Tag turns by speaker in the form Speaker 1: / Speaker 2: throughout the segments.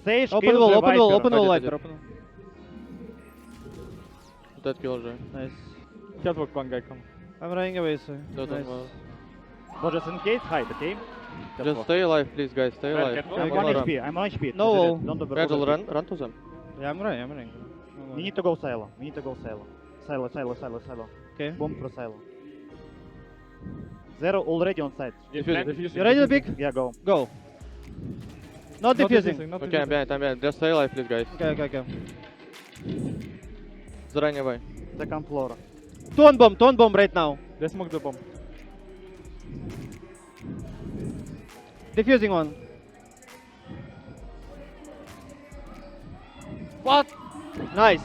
Speaker 1: Sage
Speaker 2: Open
Speaker 1: kills
Speaker 2: wall,
Speaker 1: the
Speaker 2: open wall,
Speaker 1: Viper.
Speaker 2: open wall,
Speaker 3: Ready,
Speaker 2: Viper, open wall.
Speaker 3: Dead kill уже.
Speaker 2: Nice.
Speaker 4: Catwalk one guy come.
Speaker 2: I'm running away, so.
Speaker 3: Dead
Speaker 2: Nice.
Speaker 3: on wall.
Speaker 1: But just in case, hide, okay?
Speaker 3: Just stay alive, please, guys. Stay
Speaker 5: Where,
Speaker 3: alive.
Speaker 5: catwalk?
Speaker 1: I'm
Speaker 3: Don't
Speaker 1: 1
Speaker 3: run.
Speaker 1: HP, I'm 1 HP.
Speaker 2: No wall.
Speaker 1: Don't overload
Speaker 3: Angel,
Speaker 1: it.
Speaker 3: run to them.
Speaker 2: Yeah, I'm running, I'm running.
Speaker 1: We need to go silo. We need to go silo. Silo.
Speaker 2: Okay.
Speaker 1: Bomb through silo. Zero already on site.
Speaker 2: You ready to pick?
Speaker 1: Yeah, go.
Speaker 2: Go. Not defusing.
Speaker 4: Not
Speaker 3: Okay, I'm behind. Just stay alive, please, guys.
Speaker 2: Okay.
Speaker 3: Заранее бай.
Speaker 1: Second floor.
Speaker 2: Two on bomb right now.
Speaker 4: They smoke the bomb.
Speaker 2: Defusing one.
Speaker 5: What?
Speaker 2: Nice.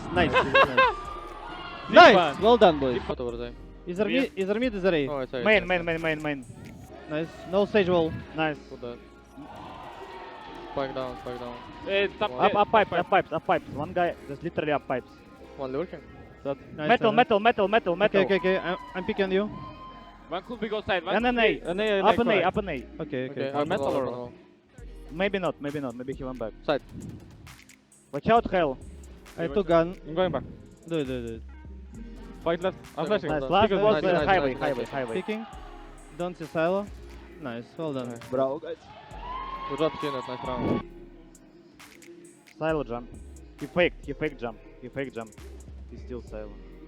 Speaker 4: Nice.
Speaker 2: Nice. Well done, boys.
Speaker 3: What over there?
Speaker 2: Is there mid? Is there A?
Speaker 3: Oh, it's A.
Speaker 1: Main.
Speaker 2: Nice. No stage wall.
Speaker 1: Nice.
Speaker 3: Put that. Spike down.
Speaker 5: Top
Speaker 1: Up pipes. One guy, just literally up pipes.
Speaker 3: One lurking.
Speaker 2: Nice.
Speaker 1: Metal.
Speaker 2: Okay. I'm picking on you.
Speaker 5: One could be go side. One
Speaker 1: And an A.
Speaker 4: An A,
Speaker 1: Up an A,
Speaker 4: correct.
Speaker 1: up an A.
Speaker 2: Okay.
Speaker 3: Okay,
Speaker 4: On metal or
Speaker 3: no?
Speaker 1: Maybe not. Maybe he went back.
Speaker 3: Side.
Speaker 1: Watch out, hell.
Speaker 2: I took gun.
Speaker 4: I'm going back.
Speaker 2: Do it.
Speaker 4: Fight left. I'm flashing.
Speaker 1: Nice.
Speaker 3: Nice,
Speaker 1: Last
Speaker 3: nice,
Speaker 1: was
Speaker 3: nice,
Speaker 1: highway.
Speaker 3: nice.
Speaker 2: Picking. Don't see silo. Nice. Well done.
Speaker 1: Bravo, guys.
Speaker 3: Good job, Kenneth. Nice round.
Speaker 1: Silo jump. He faked jump. He's still silo.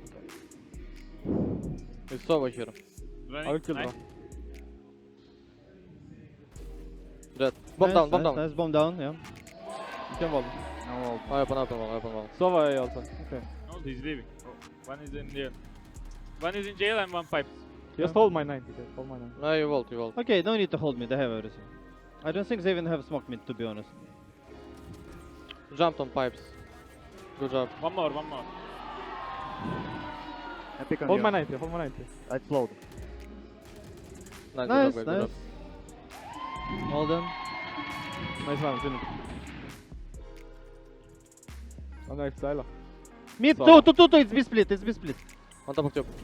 Speaker 3: It's over here.
Speaker 5: running.
Speaker 4: I will kill
Speaker 5: Nice.
Speaker 4: bro.
Speaker 3: Dead. Bomb down.
Speaker 2: Nice. Bomb down. Yeah.
Speaker 4: You can wall.
Speaker 1: No,
Speaker 3: I open wall.
Speaker 4: Sova A also.
Speaker 2: Okay.
Speaker 5: No, he's leaving. Oh, one is in jail. One is in jail and one pipes.
Speaker 4: Just hold my 90. Okay. Hold my 90.
Speaker 3: No, you vault.
Speaker 2: Okay. Don't need to hold me. They have everything. I don't think they even have smoke mid, to be honest.
Speaker 3: Jumped on pipes. Good job.
Speaker 5: One more.
Speaker 1: I pick on
Speaker 4: Hold
Speaker 1: you.
Speaker 4: my 90. Hold my 90.
Speaker 1: I explode.
Speaker 2: Nice.
Speaker 3: Good job.
Speaker 2: Well done.
Speaker 4: Nice round. Finish. One knife silo.
Speaker 2: Mid.
Speaker 3: So-
Speaker 2: Two. It's B split.
Speaker 3: On top of tube.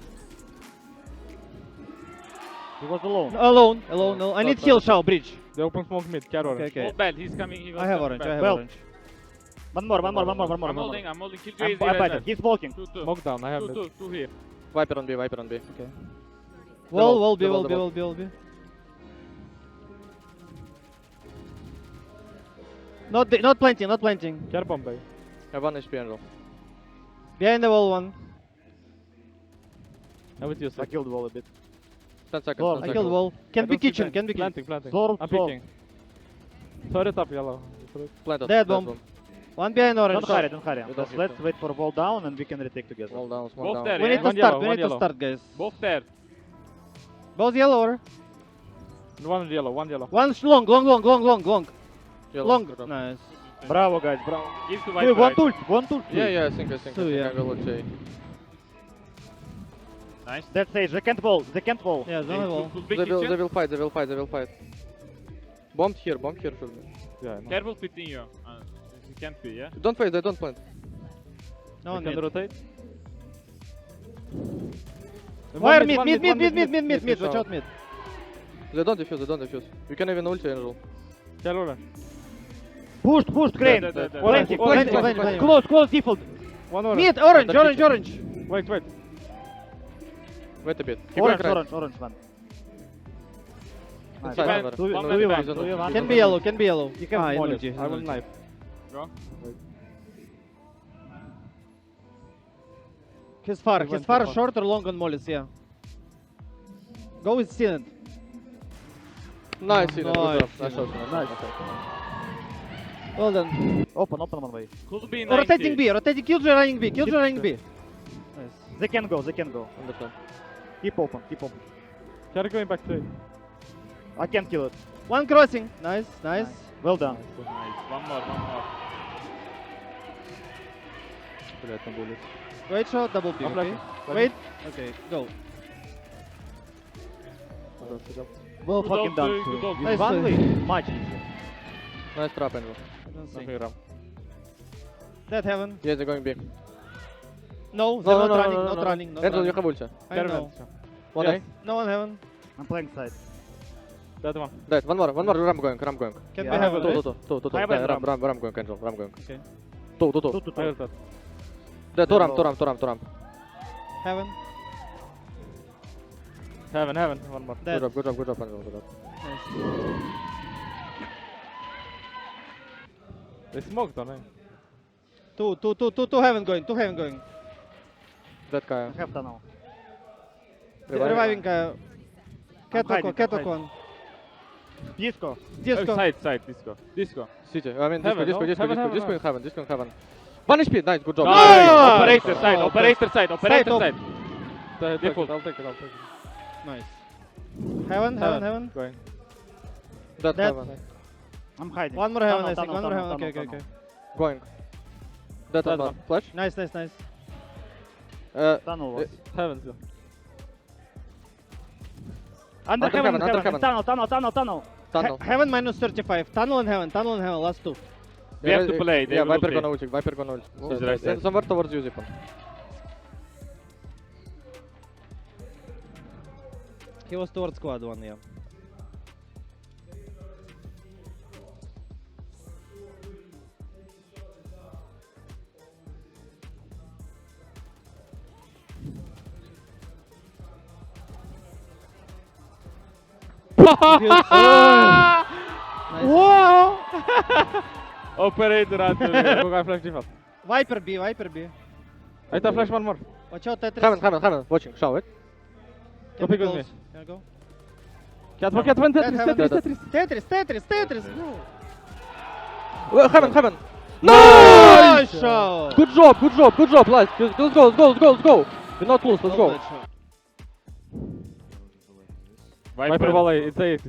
Speaker 1: He was alone.
Speaker 2: Alone. No. I need
Speaker 3: Stop,
Speaker 2: heal.
Speaker 3: stop.
Speaker 2: Shao. Bridge.
Speaker 4: They open smoke mid. Carry orange.
Speaker 2: Okay.
Speaker 5: Oh, bad. He's coming. He was
Speaker 2: I have
Speaker 5: coming
Speaker 2: orange.
Speaker 5: back.
Speaker 1: Well,
Speaker 2: Orange.
Speaker 1: One more.
Speaker 5: I'm holding. Kill
Speaker 1: I'm
Speaker 5: JZ right
Speaker 1: better.
Speaker 5: there.
Speaker 1: He's walking.
Speaker 5: Two.
Speaker 4: Smoke down. I have it.
Speaker 5: Two here.
Speaker 3: Viper on B.
Speaker 2: Okay. Wall B. Not planting.
Speaker 4: Care bomb bay.
Speaker 3: I have 1 HP Angel.
Speaker 2: Behind the wall one.
Speaker 4: I'm with you.
Speaker 1: I killed wall a bit.
Speaker 3: 10 seconds.
Speaker 1: Floor.
Speaker 3: 10
Speaker 2: I
Speaker 3: seconds.
Speaker 2: killed wall. Can be kitchen.
Speaker 4: Planting.
Speaker 1: Floor,
Speaker 4: I'm
Speaker 1: floor.
Speaker 4: picking. Sorry, top yellow.
Speaker 3: Planted.
Speaker 2: Dead bomb. One behind orange.
Speaker 1: Don't hurry.
Speaker 3: Don't
Speaker 1: Just
Speaker 3: hit
Speaker 1: let's
Speaker 3: them.
Speaker 1: wait for wall down and we can retake together.
Speaker 3: Wall down. Smoke
Speaker 5: Both
Speaker 3: down.
Speaker 5: there.
Speaker 2: We need to
Speaker 4: One
Speaker 2: start.
Speaker 4: yellow,
Speaker 2: We
Speaker 4: one
Speaker 2: need to
Speaker 4: yellow.
Speaker 2: start, guys.
Speaker 5: Both there.
Speaker 2: Both yellow or
Speaker 4: One yellow.
Speaker 2: one long.
Speaker 3: Yellow.
Speaker 2: Long.
Speaker 3: Good job.
Speaker 2: Nice.
Speaker 1: Bravo, guys. Bravo.
Speaker 5: Give to
Speaker 1: Wait,
Speaker 5: Viper.
Speaker 1: one tool.
Speaker 3: Yeah, I think
Speaker 2: Two, yeah.
Speaker 3: I will say.
Speaker 5: Nice.
Speaker 1: That's Sage. They can't wall.
Speaker 2: Yeah, don't have wall.
Speaker 5: Could be
Speaker 3: They
Speaker 5: kitchen.
Speaker 3: will fight. Bombed here should be.
Speaker 4: Yeah, I know.
Speaker 5: Careful pitting you. He can't be, yeah?
Speaker 3: Don't fight, they don't plant.
Speaker 2: No
Speaker 4: We
Speaker 2: one
Speaker 4: can
Speaker 2: mid.
Speaker 4: rotate.
Speaker 2: Wire mid. Watch out mid.
Speaker 3: They don't defuse. You can even ulti Angel.
Speaker 4: Care orange.
Speaker 1: Pushed, Crane.
Speaker 5: Dead.
Speaker 1: Plenty.
Speaker 2: Plenty.
Speaker 1: Close, default.
Speaker 4: One orange.
Speaker 2: Mid. Orange.
Speaker 4: Wait.
Speaker 3: Wait a bit. Keep going right.
Speaker 1: Orange, man. Nice.
Speaker 3: Inside,
Speaker 5: Defend.
Speaker 3: Angel.
Speaker 1: Two
Speaker 5: Bomb
Speaker 1: v
Speaker 5: at the
Speaker 1: one,
Speaker 5: back.
Speaker 1: two v one.
Speaker 2: Can be yellow.
Speaker 1: You can
Speaker 2: in
Speaker 1: molly.
Speaker 2: ulti,
Speaker 4: I will
Speaker 2: in ulti.
Speaker 4: knife.
Speaker 5: Go.
Speaker 2: He's far.
Speaker 4: He
Speaker 2: He's
Speaker 4: went
Speaker 2: far
Speaker 4: too far.
Speaker 2: short or long on mollies, yeah. Go with Synod.
Speaker 3: Nice, Eden. Good
Speaker 2: Nice,
Speaker 3: job. Nice
Speaker 2: Eden.
Speaker 3: shot.
Speaker 1: Nice.
Speaker 2: Well done.
Speaker 1: Open one way.
Speaker 5: Could be 90.
Speaker 2: Rotating B. Killjoy running B. Nice.
Speaker 1: They can go.
Speaker 3: Understand.
Speaker 1: Keep open.
Speaker 4: Care going back to it.
Speaker 1: I can kill it.
Speaker 2: One crossing. Nice.
Speaker 1: Well done.
Speaker 5: Nice. One more.
Speaker 4: Блять, там будет.
Speaker 2: Wait shot. Double P.
Speaker 4: I'm
Speaker 2: Okay.
Speaker 4: flashing.
Speaker 2: Wait. Okay. Go.
Speaker 1: Well
Speaker 5: Good
Speaker 1: fucking
Speaker 5: dog,
Speaker 1: done.
Speaker 5: good
Speaker 1: too.
Speaker 5: dog.
Speaker 1: With
Speaker 2: Nice
Speaker 1: one
Speaker 2: play.
Speaker 1: way, much easier.
Speaker 3: Nice trap, Angel.
Speaker 2: I don't see.
Speaker 4: Nothing around.
Speaker 2: Dead heaven.
Speaker 3: Yeah, they're going B.
Speaker 2: No. They're not running. Not running.
Speaker 3: Angel, you have ulti.
Speaker 2: I know.
Speaker 3: One
Speaker 4: Yes.
Speaker 3: A.
Speaker 2: No one heaven.
Speaker 1: I'm playing side.
Speaker 4: That one.
Speaker 3: Dead. One more. Ram going.
Speaker 2: Can
Speaker 1: Yeah.
Speaker 2: we have a
Speaker 3: Two.
Speaker 2: list?
Speaker 1: Heaven,
Speaker 3: Ram going. Angel. Ram going.
Speaker 2: Okay.
Speaker 3: Two.
Speaker 1: Two,
Speaker 4: I
Speaker 1: two.
Speaker 4: will that.
Speaker 3: Dead. Two ram.
Speaker 2: Heaven.
Speaker 4: Heaven. One more.
Speaker 2: Dead.
Speaker 3: Good job, Angel. Good job.
Speaker 2: Nice.
Speaker 4: They smoked on him.
Speaker 2: Two heaven going.
Speaker 3: Dead guy.
Speaker 1: I have tunnel.
Speaker 2: Reviving
Speaker 1: hiding,
Speaker 2: Catwalk
Speaker 1: I'm
Speaker 2: one.
Speaker 1: Disco.
Speaker 2: Disco.
Speaker 5: Side, disco.
Speaker 3: City. I mean,
Speaker 4: Heaven,
Speaker 3: disco
Speaker 4: no?
Speaker 3: in heaven. Disco in heaven. One HP. Nice. Good job.
Speaker 5: Nice!
Speaker 2: Nice!
Speaker 5: Operator side.
Speaker 2: top.
Speaker 5: Default.
Speaker 4: I'll take it.
Speaker 2: Nice. Heaven.
Speaker 4: Going.
Speaker 3: Dead
Speaker 2: Dead.
Speaker 3: heaven.
Speaker 1: I'm hiding.
Speaker 2: One more heaven,
Speaker 1: Tunnel,
Speaker 2: I think.
Speaker 1: tunnel,
Speaker 2: One more
Speaker 1: tunnel,
Speaker 2: heaven.
Speaker 1: tunnel,
Speaker 2: Okay.
Speaker 3: Going. Dead
Speaker 4: Dead
Speaker 3: one.
Speaker 4: one.
Speaker 3: Flash.
Speaker 2: Nice.
Speaker 1: Tunnel was.
Speaker 4: Heaven still.
Speaker 1: Under
Speaker 3: Under
Speaker 1: heaven,
Speaker 3: heaven, under
Speaker 1: tunnel.
Speaker 3: Tunnel.
Speaker 2: Heaven minus 35. Tunnel and heaven. Last two.
Speaker 5: We have to play, they
Speaker 3: Yeah,
Speaker 5: will
Speaker 3: Viper
Speaker 5: ulti.
Speaker 3: gonna ult.
Speaker 5: He's right side.
Speaker 3: Somewhere towards you, Zipon.
Speaker 2: He was towards squad one, yeah.
Speaker 5: Wow! Operator under.
Speaker 4: Go guy flash default.
Speaker 2: Viper B.
Speaker 4: I have flash one more.
Speaker 2: Watch out, Tetris.
Speaker 3: Heaven. Watching. Show it.
Speaker 2: Can
Speaker 4: Go pick
Speaker 2: we
Speaker 4: with me.
Speaker 2: close? Can I go?
Speaker 4: Cat one.
Speaker 2: Dead heaven.
Speaker 4: Tetris.
Speaker 2: Tetris.
Speaker 3: Heaven.
Speaker 2: Nice shot.
Speaker 3: Good job, lads. Let's go. We're not close. Let's go.
Speaker 4: Viper volley. It's A.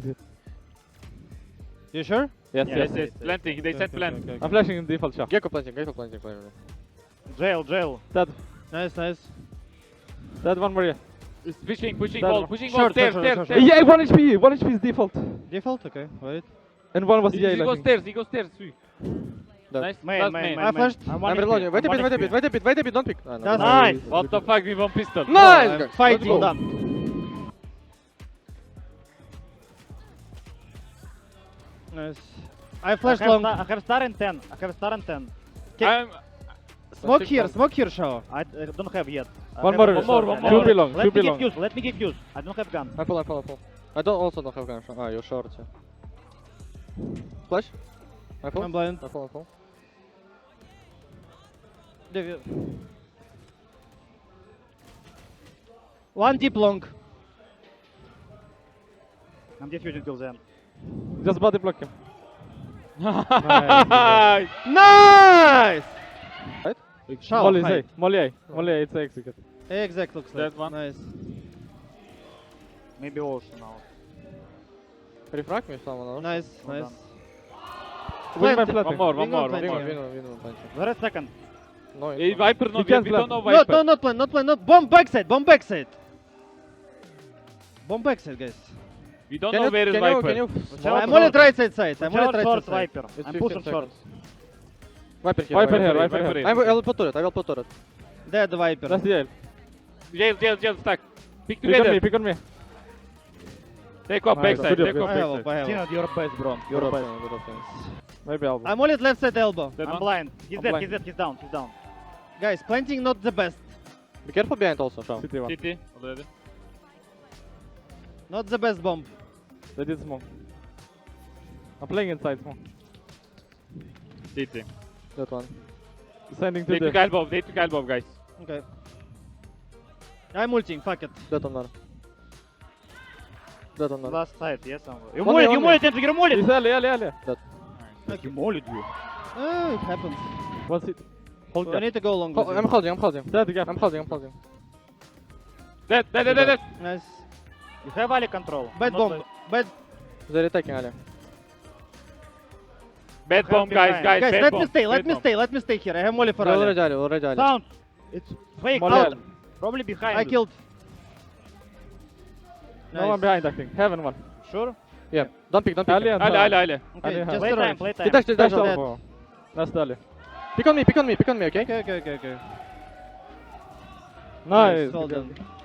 Speaker 2: You sure?
Speaker 4: Yes.
Speaker 5: Yes. Planting, they said plant.
Speaker 4: I'm flashing in default shot.
Speaker 3: Gecko planting.
Speaker 1: Jail.
Speaker 4: Dead.
Speaker 2: Nice.
Speaker 4: Dead one more. Yeah.
Speaker 5: It's pushing
Speaker 4: That
Speaker 5: wall,
Speaker 4: one.
Speaker 5: pushing
Speaker 2: Short,
Speaker 5: wall, stairs,
Speaker 2: short,
Speaker 5: stairs,
Speaker 2: short,
Speaker 5: stairs.
Speaker 4: Yeah, 1 HP. 1 HP is default.
Speaker 2: Default? Okay, wait.
Speaker 4: And one was
Speaker 5: He
Speaker 4: Yale. I
Speaker 5: goes
Speaker 4: think.
Speaker 5: stairs, Sui.
Speaker 3: Dead.
Speaker 5: Nice,
Speaker 1: Main.
Speaker 5: last main.
Speaker 2: I flashed.
Speaker 3: I'm reloading. Wait a bit. Don't pick.
Speaker 2: That's
Speaker 1: Nice.
Speaker 5: What the fuck, we won pistol.
Speaker 3: Nice.
Speaker 2: I'm
Speaker 3: guys.
Speaker 2: fighting.
Speaker 3: Let's go.
Speaker 1: Done.
Speaker 2: Nice. I flashed long.
Speaker 1: I have star and 10.
Speaker 5: I'm
Speaker 2: Smoke here, show.
Speaker 1: I don't have yet. I
Speaker 4: One
Speaker 1: have
Speaker 4: more.
Speaker 1: a short and
Speaker 4: Two belong.
Speaker 1: Let me give use. Let me give use. I don't have gun.
Speaker 3: I pull. I also don't have gun. Ah, you're short. Yeah. Flash. I pull.
Speaker 2: I'm blind.
Speaker 3: I pull.
Speaker 2: One deep long.
Speaker 1: I'm defusing till then.
Speaker 4: Just body block him.
Speaker 5: nice.
Speaker 2: Nice!
Speaker 3: Right?
Speaker 2: Shao,
Speaker 4: Molly
Speaker 2: hide.
Speaker 4: A. Molly A. It's execute.
Speaker 2: Exact looks like.
Speaker 5: That one.
Speaker 2: Nice.
Speaker 1: Maybe ocean now.
Speaker 3: Refrag me someone else.
Speaker 2: Nice.
Speaker 1: Well done.
Speaker 4: Wing my
Speaker 2: Planting.
Speaker 4: planting.
Speaker 5: One
Speaker 2: Wing
Speaker 5: more.
Speaker 2: on planting.
Speaker 3: Win.
Speaker 1: Where is second?
Speaker 3: No, it's
Speaker 5: Hey,
Speaker 3: not.
Speaker 5: Viper, no,
Speaker 4: You can't
Speaker 5: we don't
Speaker 4: plan.
Speaker 5: know
Speaker 2: No,
Speaker 5: Viper.
Speaker 2: not plan. No. Bomb backside. Bomb backside, guys.
Speaker 5: We don't
Speaker 3: Can
Speaker 5: know where is Viper.
Speaker 3: Can you?
Speaker 1: out,
Speaker 2: I'm only at right side. I'm only
Speaker 1: Short,
Speaker 2: at right
Speaker 1: short,
Speaker 2: side.
Speaker 1: Viper.
Speaker 3: It's
Speaker 1: I'm
Speaker 3: 15
Speaker 1: pushing short.
Speaker 3: seconds. Viper here.
Speaker 4: Viper here.
Speaker 5: Viper
Speaker 4: Viper
Speaker 5: here.
Speaker 4: here.
Speaker 3: I will put turret.
Speaker 2: Dead Viper.
Speaker 4: That's Yale.
Speaker 5: Jail, stack. Pick
Speaker 4: Pick on
Speaker 5: together.
Speaker 4: me. Pick on me.
Speaker 5: Take off
Speaker 4: Nice.
Speaker 5: backside,
Speaker 4: Good
Speaker 5: take
Speaker 4: job,
Speaker 5: off
Speaker 2: I have
Speaker 5: backside.
Speaker 2: up.
Speaker 1: Tino, you're best, bro. You're best.
Speaker 4: Maybe Alba.
Speaker 2: I'm only at left side elbow.
Speaker 5: That
Speaker 1: I'm
Speaker 5: one?
Speaker 1: blind. He's
Speaker 4: I'm
Speaker 1: dead.
Speaker 4: blind.
Speaker 1: He's down.
Speaker 2: Guys, planting not the best.
Speaker 3: Be careful behind also, Shao.
Speaker 4: City one.
Speaker 5: City, already.
Speaker 2: Not the best bomb.
Speaker 4: They did smoke. I'm playing inside smoke.
Speaker 5: City.
Speaker 3: That one.
Speaker 4: Sending to
Speaker 5: They took
Speaker 4: the.
Speaker 5: elbow, guys.
Speaker 2: Okay. I'm ulting. Fuck it.
Speaker 3: That one.
Speaker 1: Last side, yes, somewhere. You
Speaker 3: One
Speaker 1: mollied,
Speaker 3: way.
Speaker 1: Andrew, you mollied.
Speaker 4: He's alley.
Speaker 1: You mollied you.
Speaker 2: Oh, it happens.
Speaker 4: What's it? Hold
Speaker 2: I
Speaker 4: gap.
Speaker 2: need to go long. with
Speaker 3: I'm
Speaker 2: you.
Speaker 3: holding.
Speaker 4: Dead gap.
Speaker 3: I'm holding.
Speaker 5: Dead.
Speaker 2: Nice.
Speaker 1: You have Ali control.
Speaker 2: Bad
Speaker 1: Not
Speaker 2: bomb.
Speaker 1: like-
Speaker 2: Bad.
Speaker 3: They're attacking Ali.
Speaker 5: Bad bomb, guys,
Speaker 1: Guys,
Speaker 2: Guys,
Speaker 5: bad
Speaker 2: let
Speaker 5: bomb.
Speaker 2: me stay.
Speaker 5: Bad bomb.
Speaker 2: Let me stay here. I have molly for
Speaker 3: They're
Speaker 2: Ali.
Speaker 3: already Ali.
Speaker 1: Sound. It's fake.
Speaker 4: Molly
Speaker 1: Out.
Speaker 4: Ali.
Speaker 1: Probably behind.
Speaker 2: I
Speaker 1: you.
Speaker 2: killed.
Speaker 4: No one behind, I think. Heaven one.
Speaker 1: Sure.
Speaker 3: Yeah. Don't pick.
Speaker 4: Ali and
Speaker 5: Ali.
Speaker 2: Okay,
Speaker 4: Ali
Speaker 2: just
Speaker 4: has-
Speaker 1: Play
Speaker 2: the
Speaker 1: time.
Speaker 2: right.
Speaker 1: Play time.
Speaker 3: He dashed
Speaker 4: That's
Speaker 3: out.
Speaker 4: Alba. That's Ali.
Speaker 3: Pick on me, okay?
Speaker 2: Okay.
Speaker 4: Nice.
Speaker 2: Well done.